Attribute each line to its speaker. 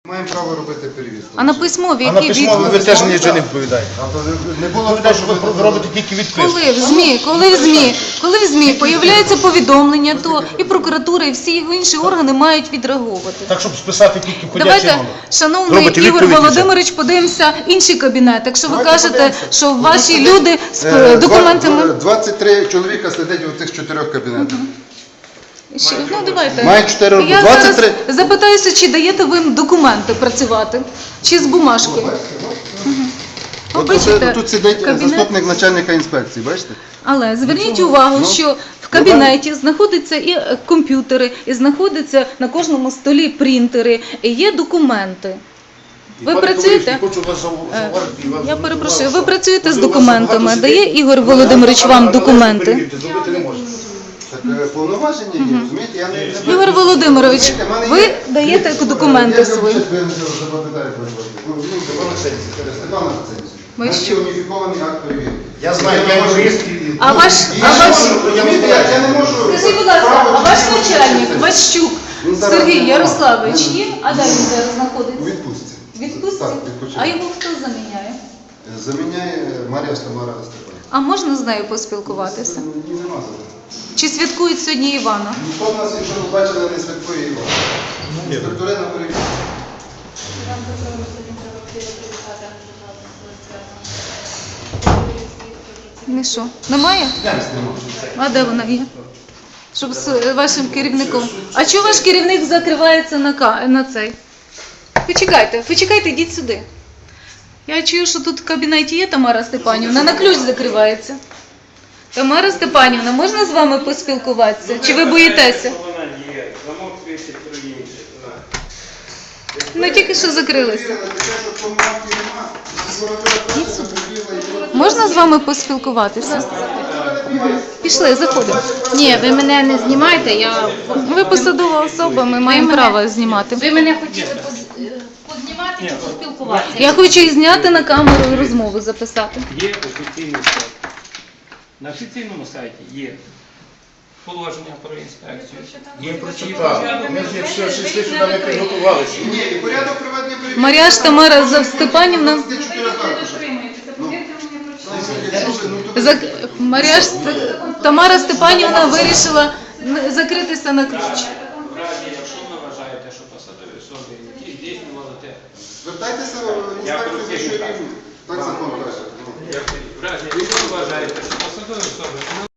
Speaker 1: Маємо право робити перевірку.
Speaker 2: А на письмові
Speaker 3: А на
Speaker 2: які
Speaker 3: письмові ви
Speaker 2: відповіді?
Speaker 3: теж нічого не відповідаєте.
Speaker 1: Не було
Speaker 3: Відповідає, що ви робите тільки відписку.
Speaker 2: Коли в ЗМІ появляється повідомлення, то і прокуратура, і всі інші органи мають відреагувати.
Speaker 3: Так, щоб списати тільки входячий
Speaker 2: Давайте,
Speaker 3: номер.
Speaker 2: шановний
Speaker 3: Робите
Speaker 2: Ігор
Speaker 3: відповідь і
Speaker 2: Володимирович, подивимося інший кабінет. Якщо ви
Speaker 1: Давайте
Speaker 2: кажете,
Speaker 1: подивимося.
Speaker 2: що ваші люди з документами...
Speaker 1: 23 чоловіка сидять у цих 4 кабінетах.
Speaker 2: Ну, давайте.
Speaker 1: Мають 4 роки.
Speaker 2: Я
Speaker 1: 23.
Speaker 2: зараз запитаюся, чи даєте ви їм документи працювати, чи з бумажки.
Speaker 1: Тут сидить
Speaker 2: кабінет.
Speaker 1: заступник начальника інспекції, бачите?
Speaker 2: Але зверніть увагу, що в кабінеті знаходяться і комп'ютери, і знаходяться на кожному столі принтери, і є документи. Ви працюєте? Я перепрошую, ви працюєте з документами? Дає Ігор Володимирович вам документи?
Speaker 3: Зробити не можна.
Speaker 1: Так повноваження є, розумієте? Я не...
Speaker 2: Ігор Володимирович, ви даєте документи свої? Ви що?
Speaker 1: уніфікований акт перевірки.
Speaker 3: Я знаю, я юрист.
Speaker 2: А ваш...
Speaker 1: Я не можу...
Speaker 2: Скажіть, будь ласка, а ваш начальник, Ващук Сергій Ярославович є? А де він зараз
Speaker 1: У
Speaker 2: знаходиться?
Speaker 1: відпустці.
Speaker 2: Відпустці?
Speaker 1: Так, відпочинок.
Speaker 2: А його хто заміняє?
Speaker 1: Заміняє Марія Тамара Степанівна.
Speaker 2: А можна з нею поспілкуватися?
Speaker 1: Ні, нема зараз.
Speaker 2: Чи святкують сьогодні Івана?
Speaker 1: Ніхто в нас, якщо ви бачили, не святкує Івана. Інспектори на перевірку.
Speaker 2: Не що? Немає? А де вона є? Щоб з вашим керівником. А чого ваш керівник закривається на цей? Почекайте, йдіть сюди. Я чую, що тут в кабінеті є Тамара Степанівна, на ключ закривається. Тамара Степанівна, можна з вами поспілкуватися? Чи ви боїтеся?
Speaker 4: Вона є, замок висить про інше.
Speaker 2: Ну тільки що закрилися. Можна з вами поспілкуватися? Пішли, заходимо.
Speaker 5: Ні, ви мене не знімайте, я...
Speaker 2: Ви посадова особа, ми маємо право знімати.
Speaker 5: Ви мене хотіли познімати чи поспілкуватися?
Speaker 2: Я хочу і зняти на камеру і розмову записати.
Speaker 4: Є офіційний сайт. На офіційному сайті є положення про інспекцію. Є
Speaker 3: Так, ми ж якщо йшли сюди, ми підготувалися.
Speaker 1: Ні, і порядок проведення перевірки.
Speaker 2: Мар'яш Тамара Степанівна. Тамара Степанівна вирішила закритися на ключ.
Speaker 4: В разі, якщо ви вважаєте, що посадові особи, які здійснювали те,
Speaker 1: Звертайтеся в інспекцію за що рівні. Так закон каже.
Speaker 4: в разі, якщо ви вважаєте, що посадові особи